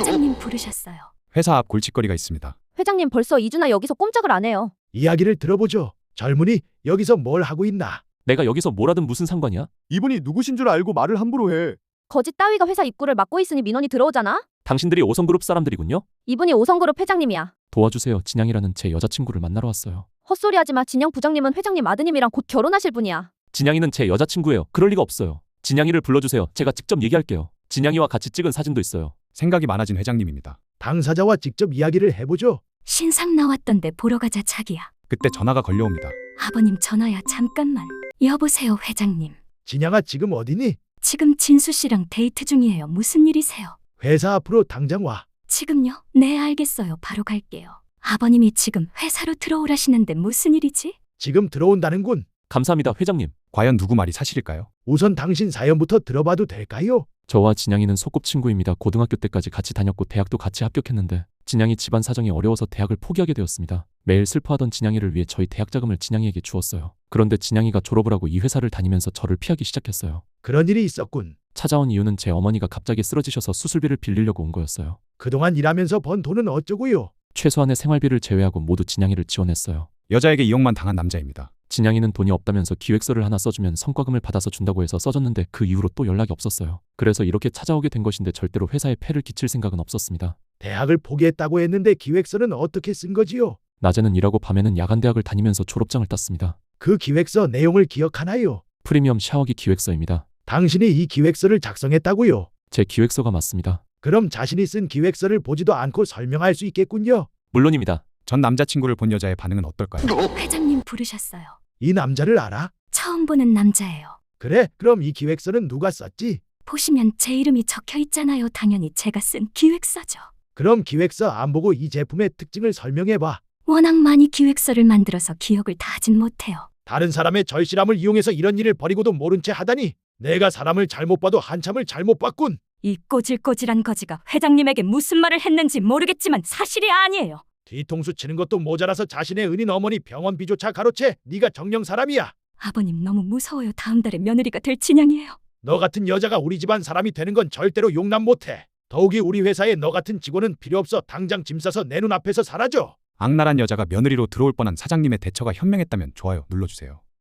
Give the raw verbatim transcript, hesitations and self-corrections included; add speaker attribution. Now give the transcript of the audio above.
Speaker 1: 회장님 부르셨어요.
Speaker 2: 회사 앞 골칫거리가 있습니다.
Speaker 3: 회장님 벌써 이 주나 여기서 꼼짝을 안 해요.
Speaker 4: 이야기를 들어보죠. 젊은이 여기서 뭘 하고 있나?
Speaker 5: 내가 여기서 뭘 하든 무슨 상관이야?
Speaker 6: 이분이 누구신 줄 알고 말을 함부로 해.
Speaker 3: 거짓 따위가 회사 입구를 막고 있으니 민원이 들어오잖아?
Speaker 5: 당신들이 오성그룹 사람들이군요?
Speaker 3: 이분이 오성그룹 회장님이야.
Speaker 5: 도와주세요. 진양이라는 제 여자친구를 만나러 왔어요.
Speaker 3: 헛소리하지 마. 진영 부장님은 회장님 아드님이랑 곧 결혼하실 분이야.
Speaker 5: 진양이는 제 여자친구예요. 그럴 리가 없어요. 진양이를 불러주세요. 제가 직접 얘기할게요. 진양이와 같이 찍은 사진도 있어요.
Speaker 2: 생각이 많아진 회장님입니다.
Speaker 4: 당사자와 직접 이야기를 해보죠.
Speaker 1: 신상 나왔던데 보러 가자 자기야.
Speaker 2: 그때 전화가 걸려옵니다.
Speaker 1: 아버님 전화야 잠깐만. 여보세요 회장님.
Speaker 4: 진양아 지금 어디니?
Speaker 1: 지금 진수 씨랑 데이트 중이에요. 무슨 일이세요?
Speaker 4: 회사 앞으로 당장 와.
Speaker 1: 지금요? 네 알겠어요. 바로 갈게요. 아버님이 지금 회사로 들어오라시는데 무슨 일이지?
Speaker 4: 지금 들어온다는군.
Speaker 5: 감사합니다, 회장님.
Speaker 2: 과연 누구 말이 사실일까요?
Speaker 4: 우선 당신 사연부터 들어봐도 될까요?
Speaker 5: 저와 진양이는 소꿉친구입니다. 고등학교 때까지 같이 다녔고 대학도 같이 합격했는데 진양이 집안 사정이 어려워서 대학을 포기하게 되었습니다. 매일 슬퍼하던 진양이를 위해 저희 대학 자금을 진양이에게 주었어요. 그런데 진양이가 졸업을 하고 이 회사를 다니면서 저를 피하기 시작했어요.
Speaker 4: 그런 일이 있었군.
Speaker 5: 찾아온 이유는 제 어머니가 갑자기 쓰러지셔서 수술비를 빌리려고 온 거였어요.
Speaker 4: 그동안 일하면서 번 돈은 어쩌고요?
Speaker 5: 최소한의 생활비를 제외하고 모두 진양이를 지원했어요.
Speaker 2: 여자에게 이용만 당한 남자입니다.
Speaker 5: 진양이는 돈이 없다면서 기획서를 하나 써주면 성과금을 받아서 준다고 해서 써줬는데 그 이후로 또 연락이 없었어요. 그래서 이렇게 찾아오게 된 것인데 절대로 회사에 폐를 끼칠 생각은 없었습니다.
Speaker 4: 대학을 포기했다고 했는데 기획서는 어떻게 쓴 거지요?
Speaker 5: 낮에는 일하고 밤에는 야간대학을 다니면서 졸업장을 땄습니다.
Speaker 4: 그 기획서 내용을 기억하나요?
Speaker 5: 프리미엄 샤워기 기획서입니다.
Speaker 4: 당신이 이 기획서를 작성했다고요?
Speaker 5: 제 기획서가 맞습니다.
Speaker 4: 그럼 자신이 쓴 기획서를 보지도 않고 설명할 수 있겠군요.
Speaker 5: 물론입니다.
Speaker 2: 전 남자친구를 본 여자의 반응은 어떨까요?
Speaker 1: 회장님 부르셨어요.
Speaker 4: 이 남자를 알아?
Speaker 1: 처음 보는 남자예요.
Speaker 4: 그래? 그럼 이 기획서는 누가 썼지?
Speaker 1: 보시면 제 이름이 적혀 있잖아요. 당연히 제가 쓴 기획서죠.
Speaker 4: 그럼 기획서 안 보고 이 제품의 특징을 설명해봐.
Speaker 1: 워낙 많이 기획서를 만들어서 기억을 다 하진 못해요.
Speaker 4: 다른 사람의 절실함을 이용해서 이런 일을 벌이고도 모른 채 하다니. 내가 사람을 잘못 봐도 한참을 잘못 봤군.
Speaker 1: 이 꼬질꼬질한 거지가 회장님에게 무슨 말을 했는지 모르겠지만 사실이 아니에요.
Speaker 4: 뒤통수 치는 것도 모자라서 자신의 은인 어머니 병원비조차 가로채. 네가 정령 사람이야.
Speaker 1: 아버님 너무 무서워요. 다음 달에 며느리가 될 진양이에요.
Speaker 4: 너 같은 여자가 우리 집안 사람이 되는 건 절대로 용납 못해. 더욱이 우리 회사에 너 같은 직원은 필요 없어. 당장 짐 싸서 내 눈앞에서 사라져.
Speaker 2: 악랄한 여자가 며느리로 들어올 뻔한 사장님의 대처가 현명했다면 좋아요 눌러주세요.